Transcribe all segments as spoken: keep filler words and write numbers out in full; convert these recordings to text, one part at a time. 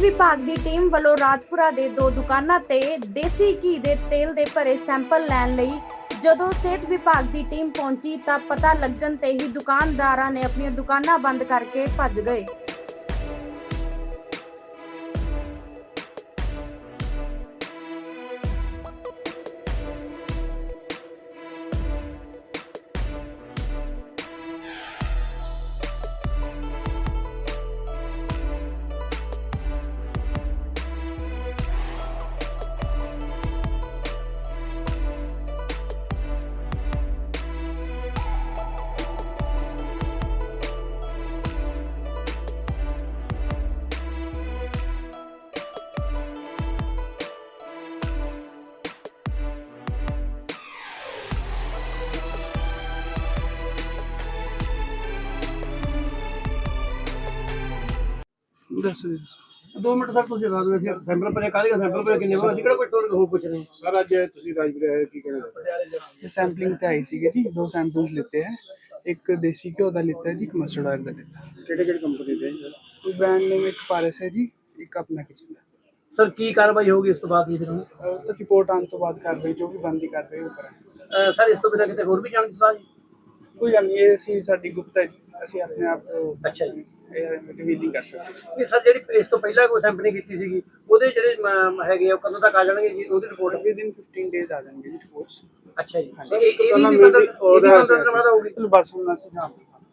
विभाग की टीम वालों राजपुरा के दो दुकानों ते देसी घी के तेल के भरे सैंपल लैन लई जदों सेहत विभाग की टीम पहुंची तो पता लगन ते ही दुकानदारां ने अपनी दुकानां बंद करके भज गए। दस दो मिनट सर तुझे बता दो सैंपल पर काले का सैंपल पर कितने बार सिकड़ा कोई टोल हो कुछ नहीं सर अज तुसी राजपुर आए की कहना सैंपलिंग ते आई सी जी दो सैंपल्स लेते हैं एक देसी घ्यो का लेता है जी एक मस्टर्ड ऑयल का लेता है केड़े केड़े कंपनी दे ब्रांड नेम एक पारस है जी एक अपना किचन है सर की कार्रवाई होगी इस तो बाद ये फिर तो रिपोर्ट आने तो बाद कार्रवाई जो भी बनती कार्रवाई वो करें सर इस तो बिना किते होर भी जान सलाह जी कोई गल नहीं ਅਸੀਂ ਸਾਡੀ ਗੁਪਤ ਹੈ ਜੀ ਅਸੀਂ ਆਪਣੇ ਆਪ ਅੱਛਾ ਜੀ ਰਿਵੀਲਿੰਗ ਕਰ ਸਕਦੇ ਇਹ ਸਰ ਜਿਹੜੀ ਇਸ ਤੋਂ ਪਹਿਲਾਂ ਕੋਈ ਸੈਂਪਲਿੰਗ ਕੀਤੀ ਸੀਗੀ ਉਹਦੇ ਜਿਹੜੇ ਮ- ਹੈਗੇ ਆ ਉਹ ਕਦੋਂ ਤੱਕ ਆ ਜਾਣਗੇ ਜੀ ਉਹਦੀ ਰਿਪੋਰਟ ਹਾਂ ਵਿਦ ਇਨ ਫਿਫਟੀਨ ਡੇਜ਼ ਆ ਜਾਣਗੇ ਜੀ ਰਿਪੋਰਟਸ ਅੱਛਾ ਜੀ ਇਹ ਇਹ ਵੀ ਪਤਾ ਉਹਦਾ ਪਤਾ ਹੋਊਗੀ ਚਲੋ ਬਸ ਹੁਣ ਅਸੀਂ ਹਾਂ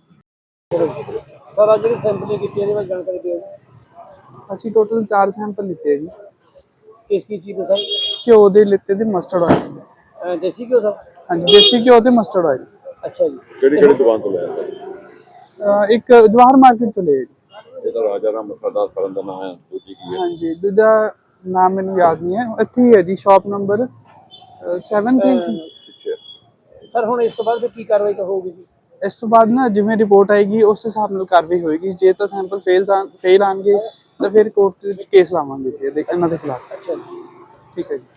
ਸਰ ਅੱਜ ਜਿਹੜੀ ਸੈਂਪਲਿੰਗ ਕੀਤੀ ਇਹਦੇ ਬਾਰੇ ਜਾਣਕਾਰੀ ਦਿਓ ਅਸੀਂ ਟੋਟਲ ਚਾਰ ਸੈਂਪਲ ਲਿੱਤੇ ਹੈ ਜੀ ਕਿਸ ਕੀ ਚੀਜ਼ ਦਾ ਸਰ ਘਿਓ ਦੇ ਲਿੱਤੇ ਤੇ ਮਸਟਰਡ ਆਇਲ ਅਹ ਦੇਸੀ ਘਿਓ ਸਰ ਹਾਂਜੀ ਦੇਸੀ ਘਿਓ ਤੇ ਮਸਟਰਡ ਆਇਲ ਅੱਛਾ ਜੀ ਕਿਹੜੀ ਕਿਹੜੀ ਦੁਕਾਨ ਤੋਂ ਲਿਆ ਸਰ ਇੱਕ ਜਵਾਹਰ ਮਾਰਕੀਟ ਤੋਂ ਲਿਆ ਜੀ ਇਹਦਾ ਰਾਜਾ ਰਾਮ ਮਸਾਲਾ ਫਰਨ ਦਾ ਨਾਮ ਹੈ ਦੂਜੀ ਕੀ ਹੈ ਹਾਂਜੀ ਦੂਜਾ ਨਾਮ ਮੈਨੂੰ ਯਾਦ ਨਹੀਂ ਹੈ ਇੱਥੇ ਹੀ ਹੈ ਜੀ ਸ਼ਾਪ ਨੰਬਰ ਸੱਤ ਤੇ ਪਿੱਛੇ ਸਰ ਹੁਣ ਇਸ ਤੋਂ ਬਾਅਦ ਫਿਰ ਕੀ ਕਾਰਵਾਈ ਹੋਊਗੀ ਜੀ ਇਸ ਤੋਂ ਬਾਅਦ ਨਾ ਜਿਵੇਂ ਰਿਪੋਰਟ ਆਏਗੀ ਉਸ ਹਿਸਾਬ ਨਾਲ ਕਾਰਵਾਈ ਹੋਏਗੀ ਜੇ ਤਾਂ ਸੈਂਪਲ ਫੇਲ ਫੇਲ ਆਣਗੇ ਤਾਂ ਫਿਰ ਕੋਰਟ ਵਿੱਚ ਕੇਸ ਲਾਵਾਂਗੇ ਜੀ ਇਹਦੇ ਇਹਨਾਂ ਦੇ ਖਿਲਾਫ ਅੱਛਾ ਜੀ ਠੀਕ ਹੈ ਜੀ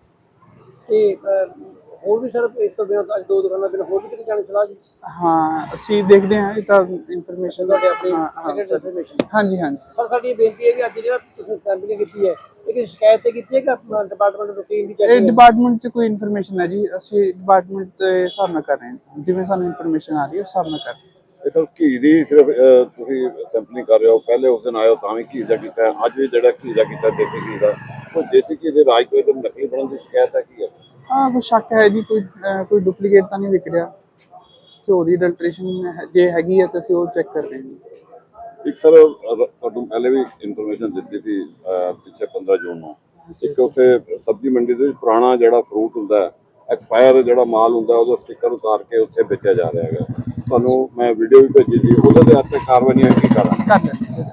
ਤੇ ਅਹ, ਹੋਰ ਵੀ ਸਰ ਇਸ ਤੋਂ ਬਿਨਾਂ ਅੱਜ ਦੋ ਦੁਕਾਨਾਂ ਬਿਨਾਂ ਹੋਰ ਵੀ ਕਿਤੇ ਜਾਣ ਦੀ ਸਲਾਹ ਜੀ ਹਾਂ ਅਸੀਂ ਦੇਖਦੇ ਹਾਂ ਇਹ ਤਾਂ ਇਨਫੋਰਮੇਸ਼ਨ ਤੁਹਾਡੇ ਆਪਣੀ ਹਾਂ ਹਾਂ ਸੈਕਟਰੀ ਇਨਫੋਰਮੇਸ਼ਨ ਹਾਂਜੀ ਹਾਂਜੀ ਸਰ ਸਾਡੀ ਇਹ ਬੇਨਤੀ ਹੈ ਵੀ ਅੱਜ ਜਿਹੜਾ ਤੁਸੀਂ ਸੈਂਪਲਿੰਗ ਕੀਤੀ ਹੈ ਇਹ ਕਿਸੇ ਸ਼ਿਕਾਇਤ ਤੇ ਕੀਤੀ ਹੈ ਕਿ ਆਪਣਾ ਡਿਪਾਰਟਮੈਂਟ ਰੂਟੀਨ ਦੀ ਇਹ ਚੈਕਿੰਗ ਡਿਪਾਰਟਮੈਂਟ 'ਚ ਕੋਈ ਇਨਫੋਰਮੇਸ਼ਨ ਹੈ ਜੀ ਅਸੀਂ ਡਿਪਾਰਟਮੈਂਟ ਦੇ ਹਿਸਾਬ ਨਾਲ ਕਰ ਰਹੇ ਹਾਂ ਜਿਵੇਂ ਸਾਨੂੰ ਇਨਫੋਰਮੇਸ਼ਨ ਆ ਰਹੀ ਹੈ ਉਸ ਹਿਸਾਬ ਨਾਲ ਕਰ ਰਹੇ ਹਾਂ ਇਹ ਤਾਂ ਘੀ ਦੀ ਸਿਰਫ ਅਹ, ਤੁਸੀਂ ਸੈਂਪਲਿੰਗ ਕਰ ਰਹੇ ਹੋ ਪਹਿਲੇ ਉਸ ਦਿਨ ਆਇਓ ਤਾਂ ਵੀ ਘੀ ਦਾ ਕੀਤਾ ਹੈ। ਅੱਜ ਵੀ ਜਿਹੜਾ ਘੀ ਦਾ ਕੀਤਾ ਦੇਸੀ ਘੀ ਦਾ ਉਹ ਦੇਸੀ ਘੀ ਦੇ ਰਾਜ ਕੋਈ ਨਕਲੀ ਬਣਨ ਦੀ ਸ਼ਿਕਾਇਤ ਹੈ ਕੀ ਹੈ ਹਾਂ ਕੋਈ ਸ਼ੱਕ ਹੈ ਜੀ ਕੋਈ ਅਹ, ਕੋਈ ਡੁਪਲੀਕੇਟ ਤਾਂ ਨਹੀਂ ਵਿਕ ਰਿਹਾ ਘਿਓ ਦੀ ਅਡਲਟ੍ਰੇਸ਼ਨ ਜੇ ਹੈਗੀ ਹੈ ਤਾਂ ਅਸੀਂ ਉਹ ਚੈੱਕ ਕਰ ਰਹੇ ਹਾਂ ਜੀ ਇੱਕ ਸਰ ਅਹ, ਤੁਹਾਨੂੰ ਪਹਿਲੇ ਵੀ ਇਨਫੋਰਮੇਸ਼ਨ ਦਿੱਤੀ ਸੀ ਅਹ, ਪਿੱਛੇ ਪੰਦਰਾਂ ਜੂਨ ਨੂੰ ਇੱਕ ਉੱਥੇ ਸਬਜ਼ੀ ਮੰਡੀ ਦੇ ਵਿੱਚ ਪੁਰਾਣਾ ਜਿਹੜਾ ਫਰੂਟ ਹੁੰਦਾ ਹੈ ਐਕਸਪਾਇਰ ਜਿਹੜਾ ਮਾਲ ਹੁੰਦਾ ਉਹਦਾ ਸਟicker ਉਤਾਰ ਕੇ ਉੱਥੇ ਵੇਚਿਆ ਜਾ ਰਿਹਾ ਹੈਗਾ ਤੁਹਾਨੂੰ ਮੈਂ ਵੀਡੀਓ ਵੀ ਭੇਜੀ ਸੀ ਉਹਦੇ ਤੇ ਹੱਥ ਤੇ ਕਾਰਵਾਈ ਨਹੀਂ ਹੋਈ ਕੀ ਕਰਾਂ ਕਰ ਲੈਂਦੇ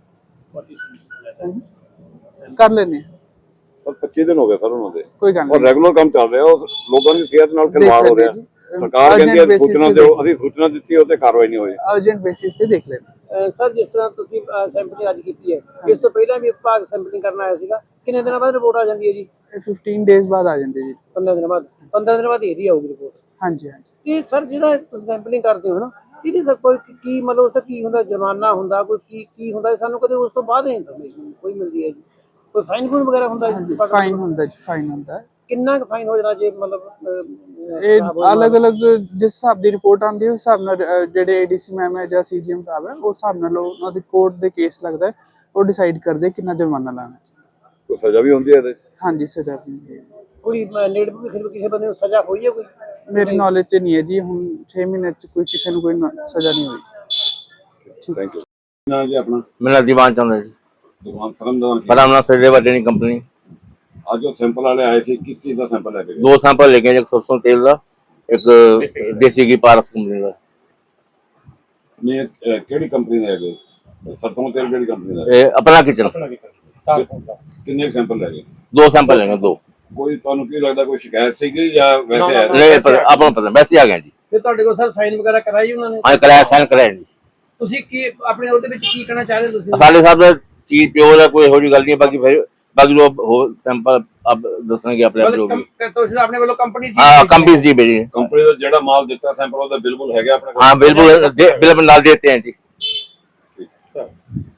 ਹਾਂ। ਕਰ ਲੈਂਦੇ ਹਾਂ। ਸਰ ਪੱਚੀ ਦਿਨ ਹੋ ਗਏ ਸਰ ਉਹਨਾਂ ਦੇ ਕੋਈ ਗੱਲ ਔਰ ਨਹੀਂ ਰੈਗੂਲਰ ਕੰਮ ਚੱਲ ਰਿਹਾ ਉਹ ਲੋਕਾਂ ਦੀ ਸਿਹਤ ਨਾਲ ਖਿਲਵਾੜ ਹੋ ਰਿਹਾ ਜੀ। ਸਰਕਾਰ Urgent ਕਹਿੰਦੀ ਹੈ basis ਸੂਚਨਾ ਤੇ ਦਿਓ ਦੇਖ- ਅਸੀਂ ਸੂਚਨਾ ਦਿੱਤੀ ਉਹ ਤੇ ਕਾਰਵਾਈ ਨਹੀਂ ਹੋਈ ਅਰਜੈਂਟ ਬੇਸਿਸ ਤੇ ਦੇਖ ਲੈਂਦੇ ਸਰ ਜਿਸ ਤਰ੍ਹਾਂ ਤੁਸੀਂ ਸੈਂਪਲਿੰਗ ਅੱਜ ਕੀਤੀ ਹੈ ਇਸ ਤੋਂ ਪਹਿਲਾਂ ਵੀ ਵਿਭਾਗ ਸੈਂਪਲਿੰਗ ਕਰਨ ਆਇਆ ਸੀਗਾ ਕਿੰਨੇ ਦਿਨਾਂ ਬਾਅਦ ਰਿਪੋਰਟ ਆ ਜਾਂਦੀ ਹੈ ਜੀ ਇਹ ਫਿਫਟੀਨ ਡੇਜ਼ ਬਾਅਦ ਆ ਜਾਂਦੇ ਜੀ ਪੰਦਰਾਂ ਦਿਨਾਂ ਬਾਅਦ ਪੰਦਰਾਂ ਦਿਨਾਂ ਬਾਅਦ ਇਹਦੀ ਆਊਗੀ ਰਿਪੋਰਟ ਹਾਂਜੀ ਹਾਂਜੀ ਤੇ ਸਰ ਜਿਹੜਾ ਤੁਸੀਂ ਸੈਂਪਲਿੰਗ ਕਰਦੇ ਹੋ ਨਾ ਇਹਦੇ ਸਰ ਕੋਈ ਕੀ ਮਤਲਬ ਉਸ ਦਾ ਕੀ ਹੁੰਦਾ ਜੁਰਮਾਨਾ ਹੁੰਦਾ ਕੋਈ ਕੀ ਕੀ ਹੁੰਦਾ ਸਾਨੂੰ ਕਦੇ ਉਸ ਤੋਂ ਬਾਅਦ ਇਨਫੋਰਮੇਸ਼ਨ ਕੋਈ ਮਿਲਦੀ ਹੈ ਜੀ ਕੋਈ ਫਾਈਨ ਫੂਨ ਵਗੈਰਾ ਹੁੰਦਾ ਜੀ ਫਾਈਨ ਹੁੰਦਾ ਜੀ ਫਾਈਨ ਹੁੰਦਾ ਹੈ। ਕਿੰਨਾ ਕੁ ਫਾਈਨ ਹੋ ਜਾਂਦਾ ਜੇ ਮਤਲਬ ਅਹ, ਇਹ ਖਰਾਬ ਹੋਇਆ ਅਲੱਗ ਅਲੱਗ ਜਿਸ ਹਿਸਾਬ ਦੀ ਰਿਪੋਰਟ ਆਉਂਦੀ ਹੈ ਉਸ ਹਿਸਾਬ ਨਾਲ ਅਹ, ਜਿਹੜੇ ਏਡੀਸੀ ਮੈਮ ਹੈ ਜਾਂ ਸੀਜੀਐਮ ਸਾਹਿਬ ਹੈ ਉਸ ਹਿਸਾਬ ਨਾਲ ਉਹ- ਉਹਨਾਂ ਦੀ ਕੋਰਟ ਦੇ ਕੇਸ ਲੱਗਦਾ ਹੈ ਉਹ ਡਿਸਾਈਡ ਕਰਦੇ ਕਿੰਨਾ ਜੁਰਮਾਨਾ ਲਾਣਾ ਹੈ। ਕੋਈ ਸਜ਼ਾ ਵੀ ਹੁੰਦੀ ਹੈ ਇਹਦੇ ਹਾਂਜੀ ਸਜ਼ਾ ਵੀ ਹੈ। ਕੋਈ ਨੇੜ ਵੀ ਕਿਸੇ ਬੰਦੇ ਨੂੰ ਸਜ਼ਾ ਹੋਈ ਹੈ ਕੋਈ ਮੇਰੀ ਨੌਲੇਜ 'ਚ ਨਹੀਂ ਹੈ ਜੀ ਹੁਣ ਛੇ ਮਹੀਨੇ 'ਚ ਕੋਈ ਕਿਸੇ ਨੂੰ ਕੋਈ ਨਾ- ਸਜ਼ਾ ਨਹੀਂ ਹੋਈ ਥੈਂਕ ਯੂ ਨਾ ਜੀ ਆਪਣਾ मेरा दीवान चंद है जी ਦੁਕਾਨ ਫਰਮ ਦਾ ਨਾਮ ਕੀ? फरामना सचदेवा डेयरी कंपनी ਅੱਜ ਉਹ ਸੈਂਪਲ ਵਾਲੇ ਆਏ ਸੀ ਕਿਸ ਚੀਜ਼ ਦਾ ਸੈਂਪਲ ਲੈ ਕੇ ਗਏ दो सैंपल लेके आए, एक सरसों तेल का एक देसी घी पारस कंपनी का ਨੇ ਅਹ, ਕਿਹੜੀ ਕੰਪਨੀ ਦੇ ਹੈਗੇ ਸਰਸੋਂ ਤੇਲ ਕਿਹੜੀ ਕੰਪਨੀ ਦਾ ए, अपना किचन ਕਿੰਨੇ ਸੈਂਪਲ ਲੈ ਗਏ दो सैंपल लेंगे दो ਕੋਈ ਤੁਹਾਨੂੰ ਕੀ ਲੱਗਦਾ ਕੋਈ ਸ਼ਿਕਾਇਤ ਸੀਗੀ ਜਾਂ ਵੈਸੇ ਆਇਆ नहीं पता अपना पता वैसे आ गए जी ਫਿਰ ਤੁਹਾਡੇ ਕੋਲ ਸਰ ਸਾਈਨ ਵਗੈਰਾ ਕਰਾਈ ਉਹਨਾਂ ਨੇ हाँ कराया साइन कराया जी ਤੁਸੀਂ ਕੀ ਆਪਣੇ ਉਹਦੇ ਵਿੱਚ ਕੀ ਕਹਿਣਾ ਚਾਹ ਰਹੇ ਹੋ ਤੁਸੀਂ साले साहब चीज प्योर है कोई हो गल नहीं बाकी फिर बाकी जो हो सैंपल अब दसने के अपने जो भी ਮਤਲਬ ਤੁਸੀਂ ਆਪਣੇ ਵੱਲੋਂ ਕੰਪਨੀ हाँ कंपनी जी भेजी ਕੰਪਨੀ ਦਾ ਜਿਹੜਾ ਮਾਲ ਦਿੱਤਾ ਸੈਂਪਲ ਉਹਦਾ ਬਿਲਕੁਲ ਹੈਗਾ ਆਪਣੇ ਕੋਲ हाँ बिल्कुल बिल्कुल नाल देते हैं जी ਠੀਕ।